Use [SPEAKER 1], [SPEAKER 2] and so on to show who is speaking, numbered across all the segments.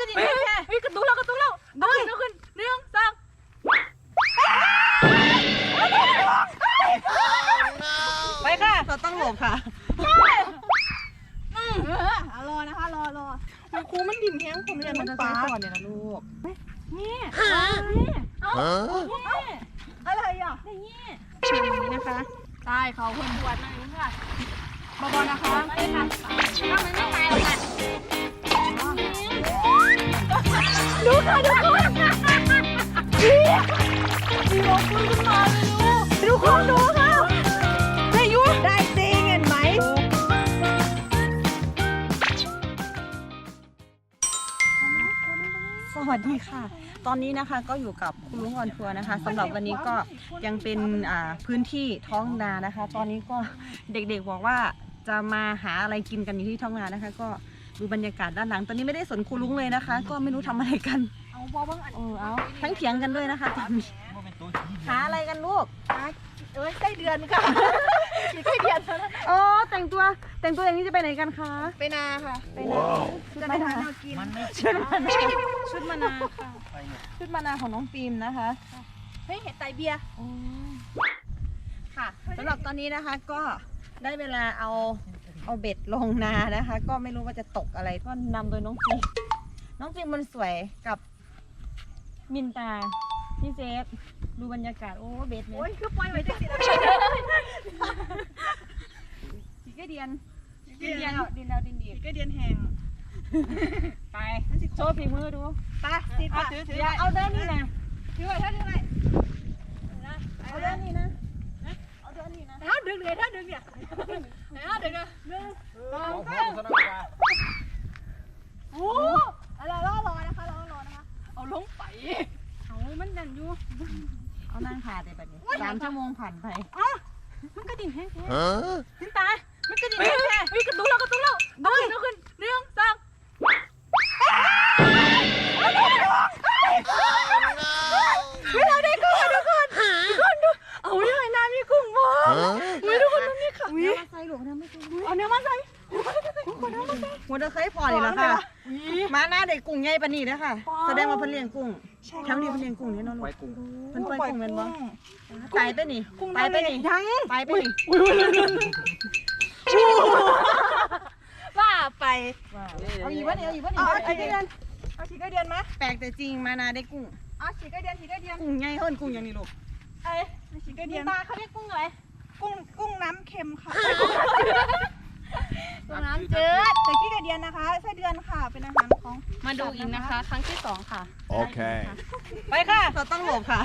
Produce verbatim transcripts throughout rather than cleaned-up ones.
[SPEAKER 1] ระดิ่งแค่เฮ้ยกระตุ้นแล้วกระตุ้นแล้วเอาขึ้นเอาขึ้นหนึ่งสองไปค่ะเราต้องหลบค่ะอืมเออรอนะคะรอรอมันครูมันดิ่มแห้งผมเรียนมันจะใช้ก่อนเนี่ยนะลูกนี่นี่เอาอะไรอ่ะนี่ช่วงนี้นะคะใช่เขาคนปวดมาอยู่ค่ะบอบอนะคะไม่ค่ะถ้ามันไม่ตายหรอกค่ะดูค่ะดูค่ะดีดีลงปืนขึ้นมาเลยดูดูคนดูค่ะได้ยุได้จริงเห็นไหมสวัสดีค่ะตอนนี้นะคะก็อยู่กับคุณลุงออนทัวร์นะคะสำหรับวันนี้ก็ยังเป็นพื้นที่ท้องนานะคะ ตอนนี้ก็เด็กๆบอกว่าจะมาหาอะไรกินกันอยู่ที่ท้องนานะคะก็ดูบรรยากาศด้านหลังตอนนี้ไม่ได้สนครูลุงเลยนะคะ ก็ไม่รู้ทำอะไรกันเอาบอบ้างอันเออเอาทั้งเถียงกันด้วยนะคะตอนนี้หาอะไรกันลูกเอ้ยใกล้เดือนค่ะใกล้เดือนแล้วอ๋อแต่งตัวแต่งตัวอย่างนี้จะไปไหนกันคะไปนาค่ะไปนาชุดมะนาวกินชุดมะนาวชุดมะนาวค่ะชุดมะนาวของน้องฟิล์มนะคะเฮ้ยเห็ดไตเบียร์ค่ะสำหรับตอนนี้นะคะก็ได้เวลาเอาเอาเบ็ดลงนานะคะก็ไม่รู้ว่าจะตกอะไรก็นำโดยน้องฟิล์มน้องฟิล์มมันสวยกับมินตาพี่เซฟดูบรรยากาศโอ้เบ็ดเนี่ยโอ้ยคือปล่อยไว้จังสิสีกระเดียนดินเดียนดินดาวดินดีสีกระเดียนแห้งไปโชว์ฝีมือดูไปสิเอาถือถือเอาเดินนี่นะถือไว้ถ้าถือไว้เอาเดินนี่นะเอาเดินนี่นะถ้าดึงเลยถ้าดึงเนี่ยถ้าดึงอ่ะหนึ่งสองสามโอ้รอรอรอนะคะรอรอนะคะเอาลงไปเอามันดันอยู่เอานั่งขาดเลยแบบนี้สามชั่วโมงผ่านไปอ๋อมันกระดิ่งแห้งแค่ขึ้นตามันกระดิ่งแห้งแค่เฮ้ยกระตุ้นแล้วกระตุ้นแล้วเอาขึ้นเอาขึ้นหนึ่งสองไม่เราได้กุ้งทุกคนทุกคนดูเอาเนื้อน้ำมีกุ้งบ่ไม่ทุกคนน้ำมีขังเนื้อมาใส่หลวงน้ำไม่กุ้งเอาเนื้อมาใส่หัวตะไคร้พอเลยละค่ะมาหน้าเด็กกุ้งใหญ่ปานนี้นะค่ะแสดงว่าเพิ่นเลี้ยงกุ้งแถวนี้เพิ่นเลี้ยงกุ้งเนี่ยน้องลูกเพิ่นปล่อยกุ้งเป็นบ่ตายไปนี่ตายไปนี่ยังตายไปนี่ว่าไปเอาอีกวะเนี่ยเอาอีกวะเนี่ยเอาฉีกกระเดียนเอาฉีกกระเดียนมาแปลกแต่จริงมานาได้กุ้งเอาฉีกกระเดียนฉีกกระเดียนกุ้งใหญ่เฮิ่นกุ้งอย่างนี้ลูกเอ้ยฉีกกระเดียนตาเขาเรียกกุ้งอะไรกุ้งกุ้งน้ำเค็มค่ะกุ้งน้ำจืดแต่ขี้กระเดียนนะคะไส้เดือนค่ะเป็นอาหารของมาดูอีกนะคะครั้งที่สองค่ะโอเคไปค่ะเราต้องหลบค่ะ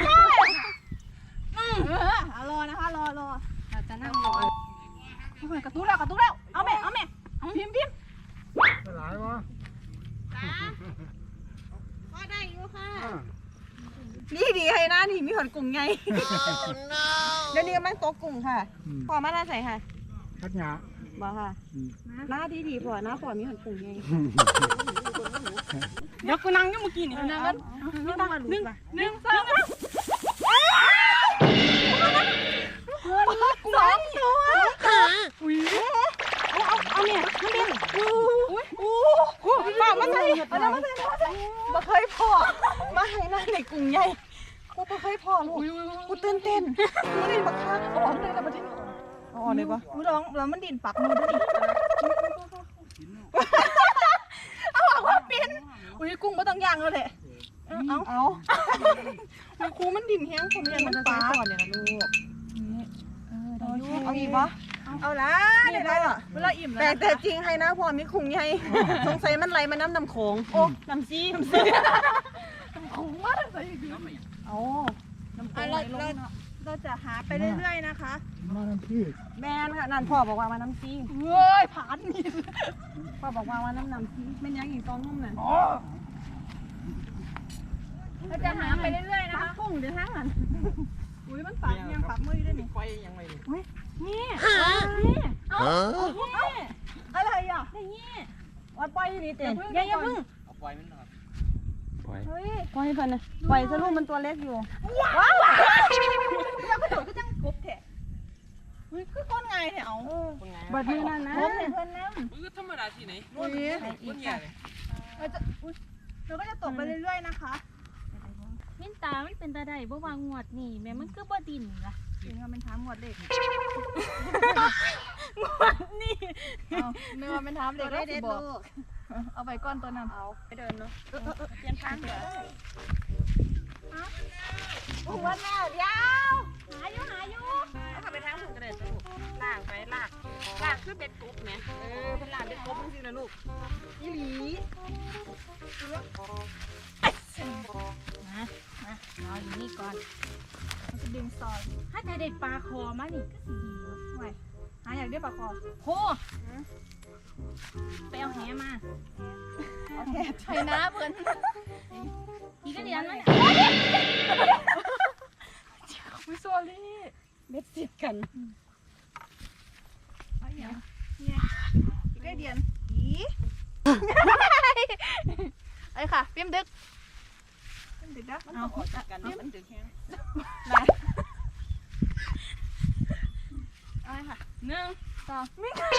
[SPEAKER 1] รอนะคะรอรอเราจะนั่งรอกระตุ้นแล้วกระตุ้นแล้วเอาแม่เอาแม่พิมพ์พิมพ์หลายวะก็ได้อยู่ค่ะนี่ดีให้นะนี่มีหอนกุ้งไงเดี๋ยวนี้กำลังโตกุ้งค่ะพอมาหน้าใส่ค่ะทัดหยาบอกค่ะหน้าดีดีพอหน้าพอมีหอนกุ้งไงเดี๋ยวกูนั่งอยู่เมื่อกี้นี่นั่งกันหนึ่งหนึ่งสองสองตัวอุ้ยเอาเอาเอาเนี่ยมันเป็นอุ้ยอู้หูป้ามาใส่เอาน้ำมาใส่มาใส่มาเคยพอมาให้หน้าในกุ้งใหญ่กูมาเคยพอลูกกูตื่นเต้นกูได้บักคักอ๋อได้แล้วมาที่อ๋อเลยปะกูร้องแล้วมันดินปักมือด้วยนี่เอาบอกว่าปินอุ้ยกุ้งไม่ต้องย่างแล้วแหละเอาเอาครูมันดินแห้งผมเรียนมันปลาก่อนเนี่ยนะลูกเอาอีกปะเอาละเดี๋ยวเราเวลาอิ่มแล้วแต่จริงให้นะพอมีคุ้งใหญ่สงสัยมันไหลมาน้ำน้ำโขงโอ้น้ำซีน้ำซีน้ำโขงมากเลยเอาน้ำโขงไหลลงเราจะหาไปเรื่อยๆนะคะมาน้ำซีแม่นค่ะนั่นพ่อบอกว่ามาน้ำซีเฮ้ยผ่านนี่พ่อบอกว่ามาน้ำน้ำซีเป็นยังอีกตองนุ่มนั่นเราจะหาไปเรื่อยๆนะคะกุ้งเดี๋ยวทั้งนั้นอุ้ยมันปักยังปักมือได้ไหมไฟยังไงนี่นี่นี่เอาอะไรอ่ะนี่ว่าปล่อยนี่เต็มยังยังพึ่งเอาปล่อยมันหน่อยปล่อยเฮ้ยปล่อยเพิ่นนะปล่อยซะลูกมันตัวเล็กอยู่ว้าวแล้วกระโดดก็จังกบแท้เฮ้ยคือก้นไงเนี่ยเอาบัดมือนั่นนะเพื่อนน้ำมือธรรมดาที่ไหนนี่คนใหญ่เลย
[SPEAKER 2] เราจะอุ๊ยเราก็จะตกไปเรื่อยๆนะคะ
[SPEAKER 3] มินตามันเป็นตาได้บ่วางงวดนี่แม่มันคือบ่ดินล่ะ
[SPEAKER 2] ถึงว่าเป็นท้าหมวดเด็ก
[SPEAKER 3] งวดนี่
[SPEAKER 2] เอาเนื้อเป็นท้าเด็ก
[SPEAKER 1] ได้
[SPEAKER 2] ได้
[SPEAKER 1] เด็
[SPEAKER 2] สิ
[SPEAKER 1] ด
[SPEAKER 2] บอก
[SPEAKER 1] ลูก
[SPEAKER 2] เอาไปก้อนตัวนั้น
[SPEAKER 1] เอาไปเดินเนาะเปลี่ยนทางเดี๋ยวโอ้โหแม่เดี๋ยว
[SPEAKER 3] หาอยู่หาอยู่
[SPEAKER 1] เอาขับไปทางถูกกระเด็นลูกลากไปลากลากคือเบ็ดกบไหมเออเป็นลากเบ็ดกบจริงๆนะลูกยี่หลี
[SPEAKER 3] มามาเอาอยู่นี่ก่อน
[SPEAKER 2] มันจะดึงซอย
[SPEAKER 3] ถ้าจะได้ปลาคอมานี่ก็สิดีวะ
[SPEAKER 2] ไว้หาอยากได้ปลาคอ
[SPEAKER 3] โหไปเอาแหมา
[SPEAKER 1] โอเค
[SPEAKER 2] ใช่นะเพื่อน
[SPEAKER 3] อีกก็เดียนมัน
[SPEAKER 2] วิโซลี่
[SPEAKER 1] เบ็ดติดกัน
[SPEAKER 2] เอาอย่างเนี่ยอีกได้เดียนอีไอ้ค่ะพิมพ์ดึกพิมพ์ดึกนะ
[SPEAKER 1] มันต้องออกจากกันนะมันดึงแห้ง
[SPEAKER 2] ได้เอาเลยค่ะ
[SPEAKER 3] หนึ่ง
[SPEAKER 2] สอง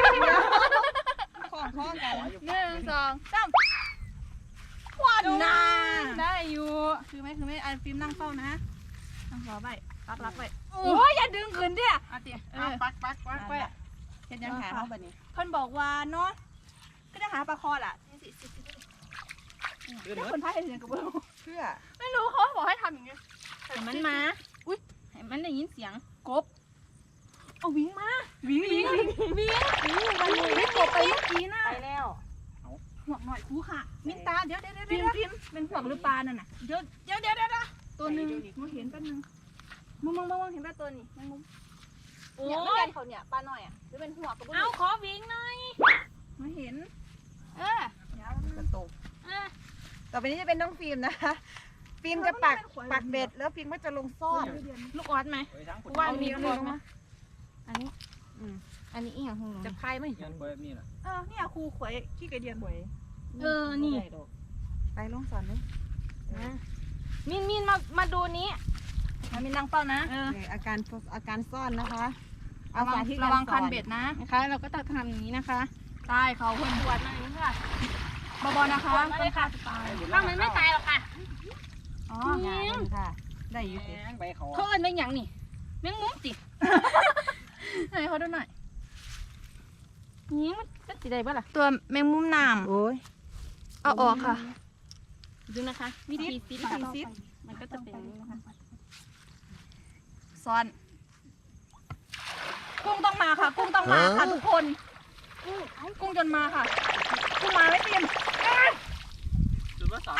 [SPEAKER 1] ข้องข้องกัน
[SPEAKER 2] หนึ่งสองสามควันน่ะ
[SPEAKER 3] ได้อยู่
[SPEAKER 2] คือไหมคือไหมอันฟิล์มนั่งเฝ้านะนั่งรอไปรับรับไป
[SPEAKER 3] โอ้ยอย่าดึงขึ้นเด้อ
[SPEAKER 2] เอาเตี๋ยเอ
[SPEAKER 1] เอา
[SPEAKER 2] อ
[SPEAKER 1] ปักปักปักไปเห็นยังหาเขาแบบนี้
[SPEAKER 2] เพิ่นบอกว่าเนาะก็จะหาปลาคอล่ะสิสิสิถ้าคนพายเห็นเสียงกับเบิ้ล
[SPEAKER 1] เพื่อ
[SPEAKER 2] ไม่รู้เขาบอกให้ทำอย่างเงี้ย
[SPEAKER 3] ให้มันมา อุ้ยให้มันได้ยินเสียง
[SPEAKER 2] กบเอาวิ่งมาวิ่งวิ่งวิ่งวิ่งมันวิ่งกบไปเมื่อกี้น่ะ
[SPEAKER 1] ไปแล้ว
[SPEAKER 2] หัวหน่อยคูค่ะมินตาเดี๋ยวเดี๋ยวเดี๋ยวพิมพิมเป็นหัวหรือปลานั่นน่ะเดี๋ยวเดี๋ยวเดี๋ยวเดี๋ยวตัวหนึ่งมึงเห็นแป๊บนึงมึงมึงมึงเห็นแป๊บตัวนี้มึงมึง
[SPEAKER 3] โอ้
[SPEAKER 2] เนี่ยไม่
[SPEAKER 3] ย
[SPEAKER 2] เห็นเขาเนี่ยปลาหน่อยอ่ะหรือเป็นหัวกับบุ้
[SPEAKER 3] เอาขอวิ่งหน่อย
[SPEAKER 2] ไม่เห็น
[SPEAKER 3] เออ
[SPEAKER 2] เดี๋ยว
[SPEAKER 1] กระตุก
[SPEAKER 3] เออ
[SPEAKER 1] ต่อไปนี้จะเป็นน้องฟิล์มนะคะ ฟิล์มจะปักปักเบ็ดแล้วฟิล์มก็จะลงซ่อน
[SPEAKER 3] ลูกออดไหม
[SPEAKER 1] ว่ามีลงมา
[SPEAKER 3] อันนี้
[SPEAKER 1] อืม
[SPEAKER 3] อันนี้อีหยังของหนู
[SPEAKER 1] จะพายไหม
[SPEAKER 4] ยันแบบนี้แหละ
[SPEAKER 2] เออเนี่ยครูขวยขี้กระเดียนหวย
[SPEAKER 3] เออ นี่
[SPEAKER 1] ไปลงสอนเลย
[SPEAKER 3] นะมินมินมา มาดูนี้
[SPEAKER 2] มันมีนางเป้านะ
[SPEAKER 3] เออ
[SPEAKER 1] อาการอาการซ่อนนะคะ
[SPEAKER 2] ระวัง
[SPEAKER 1] ที่
[SPEAKER 2] ระวังคันเบ็ดนะ
[SPEAKER 3] นะคะ เราก็ต้องทำอย่างนี้นะคะ
[SPEAKER 2] ตายเขาเพิ่นปวด
[SPEAKER 3] มาอย่างนี้ค่ะ
[SPEAKER 2] บอๆนะคะ
[SPEAKER 3] ปวดมาเลยค่ะ
[SPEAKER 2] ตาย
[SPEAKER 3] ถ้ามันไม่ตายหรอกค่ะ
[SPEAKER 2] อ๋อ
[SPEAKER 1] งานค่ะ ได้อยู่สิ
[SPEAKER 4] ใบเขา
[SPEAKER 3] เขาเอิ้นเป็นอย่างนี่แมงมุมติ
[SPEAKER 2] ไหนเขาดูหน่อย
[SPEAKER 3] นี่มันก็สิได้บ่ล่ะ
[SPEAKER 2] ตัวแมงมุมน้
[SPEAKER 1] โอ้ย
[SPEAKER 2] ำเอาออกค่ะ
[SPEAKER 3] ดูนะคะ วิธีซิด
[SPEAKER 2] วิธีซิด
[SPEAKER 3] มันก็จะเป็นอย่างนี้นะคะ
[SPEAKER 2] ซ้อน กุ้งต้องมาค่ะ กุ้งต้องมาค่ะทุกคน กุ้งจนมาค่ะ กุ้งมาไม่เตรียม
[SPEAKER 4] หรือว่าสาม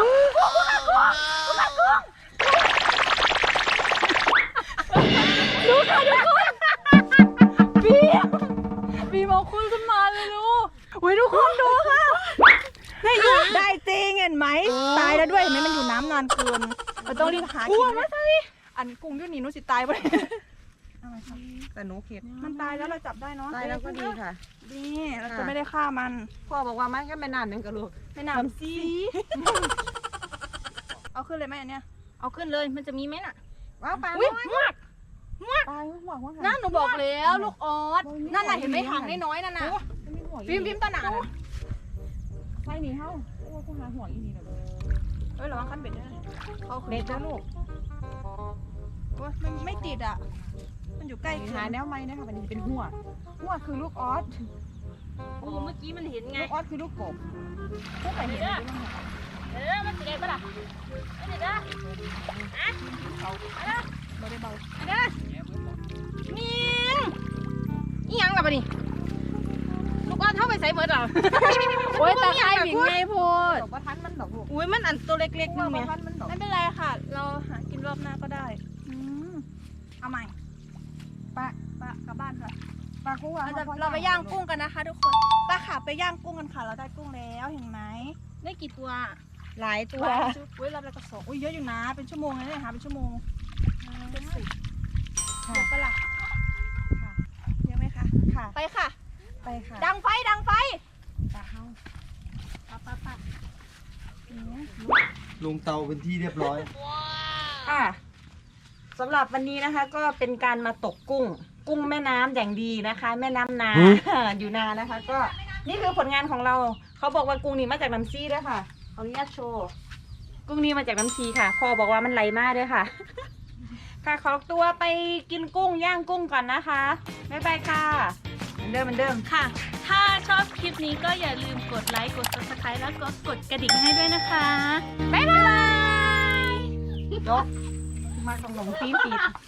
[SPEAKER 2] บีมบีมเอาคุณขึ้นมาเลยลูกอุ้ยทุกคนดูค่ะได้อยู่ได้จริงเห็นไหมตายแล้วด้วยเห็นไหมมันอยู่น้ำนานเกินเราต้องรีบหากินมาใส่อันกุ้งอยุ่นนี่หนุสิตายไป
[SPEAKER 1] แต่หนูเข็ด
[SPEAKER 2] มันตายแล้วเราจับได้เนาะ
[SPEAKER 1] ตายแล้วก็ดีค่ะ
[SPEAKER 2] ดีเราจะไม่ได้ฆ่ามัน
[SPEAKER 1] พ่อบอกว่ามันก็ไม่นานนึงกับลูก
[SPEAKER 2] ไม่นำซีเอาขึ้นเลยไหมอันเนี้ย
[SPEAKER 3] เอาขึ้นเลย มันจะมีไหมน่ะ
[SPEAKER 1] ว้าวปลา
[SPEAKER 2] อุ้ย
[SPEAKER 1] น้อย
[SPEAKER 2] มวก
[SPEAKER 1] ปลาหัวหัว
[SPEAKER 2] นั่นหนูบอกแล้วลูกออสนั่นน่ะเห็นไหมหางน้อยๆนั่นน่ะพิมพ์พิมพ์ตาหนาน่ะ
[SPEAKER 1] ไฟหนีเข้าโอ้กูหาหัวอีนี่เลย
[SPEAKER 2] เอ้ยระวังขั้นเบ็ดด้วยนะเขาขึ้น
[SPEAKER 1] เบ็ดนะลูก
[SPEAKER 2] โอ้ยมันไม่ติดอ่ะ มันอยู่ใกล้
[SPEAKER 1] หาแนวไม้นะคะมันจะเป็นหัวหัวคือลูกออส
[SPEAKER 3] โอ้เมื่อกี้มันเห็นไง
[SPEAKER 1] ลูกออสคือลูกกบพวกไปเห็นไหม
[SPEAKER 3] เออ มันสิได้ปะล่ะไม่ได้จ้ะอ่ะเอาเด้อ
[SPEAKER 2] เบาได้เบา
[SPEAKER 3] เอาเด้อมินอีหยังล่ะปะนี่ลูกอ้อนเท่าไปใส่เบิดเหรอ
[SPEAKER 2] โอ้ยตาไข่หวิงไงโพด
[SPEAKER 1] ดอกประทันมันดอกลูก
[SPEAKER 3] อุ้ยมันอันตัวเล็กๆ
[SPEAKER 1] ด
[SPEAKER 3] นึ
[SPEAKER 1] อก
[SPEAKER 3] ง
[SPEAKER 1] ป
[SPEAKER 3] เนี่
[SPEAKER 1] ระ
[SPEAKER 3] ย
[SPEAKER 1] ทันมันดอก
[SPEAKER 2] ไม่เป็นไรค่ะ เราหากินรอบหน้าก็ได้อืมเอาใหม่
[SPEAKER 1] ปลา
[SPEAKER 2] ปะกลับบ้านค่ะ
[SPEAKER 1] ปลากุ้ง
[SPEAKER 2] เราจะเราไปย่างกุ้งกันนะคะทุกคนป้าขาไปย่างกุ้งกันค่ะ เราได้กุ้งแล้วเห็นไหม
[SPEAKER 3] ได้กี่ตัว
[SPEAKER 1] หลายตัว
[SPEAKER 2] อุ้ยรับแล้วก็สองอุ้ยเยอะอยู่นะ เป็นชั่วโมงเลยเนี่ยหาเป็นชั่วโมงเจ็ดสิบ
[SPEAKER 1] ค่ะ
[SPEAKER 2] เยอะปะล่ะ
[SPEAKER 1] ค่ะ
[SPEAKER 2] เยอะไหมคะ
[SPEAKER 1] ค่ะ
[SPEAKER 2] ไปค่ะ
[SPEAKER 1] ไปค่ะ
[SPEAKER 2] ดังไฟดังไฟ
[SPEAKER 1] ปลาเฮา
[SPEAKER 2] ปะปะปะ
[SPEAKER 4] ลงเตาเป็นที่เรียบร้อย
[SPEAKER 1] ค่ะสำหรับวันนี้นะคะ ก็เป็นการมาตกกุ้ง กุ้งแม่น้ำอย่างดีนะคะ แม่น้ำนา อยู่นานะคะ ก็นี่คือผลงานของเราเขาบอกว่ากุ้งนี้มาจากน้ำซีด้วยค่ะเขาอนุญาตโชว์กุ้งนี้มาจากน้ำซีค่ะพ่อบอกว่ามันไหลมากด้วยค่ะ ค่ะขอตัวไปกินกุ้งย่างกุ้งก่อนนะคะบ๊ายบายค่ะเหมือนเดิมเหมือนเดิม
[SPEAKER 2] ค่ะ ถ้าชอบคลิปนี้ก็อย่าลืมกดไลค์ กด ซับสไครบ์ แล้วก็กดกระดิ่งให้ด้วยนะคะ บ๊ายบาย
[SPEAKER 1] จบมาขนมปี๊ด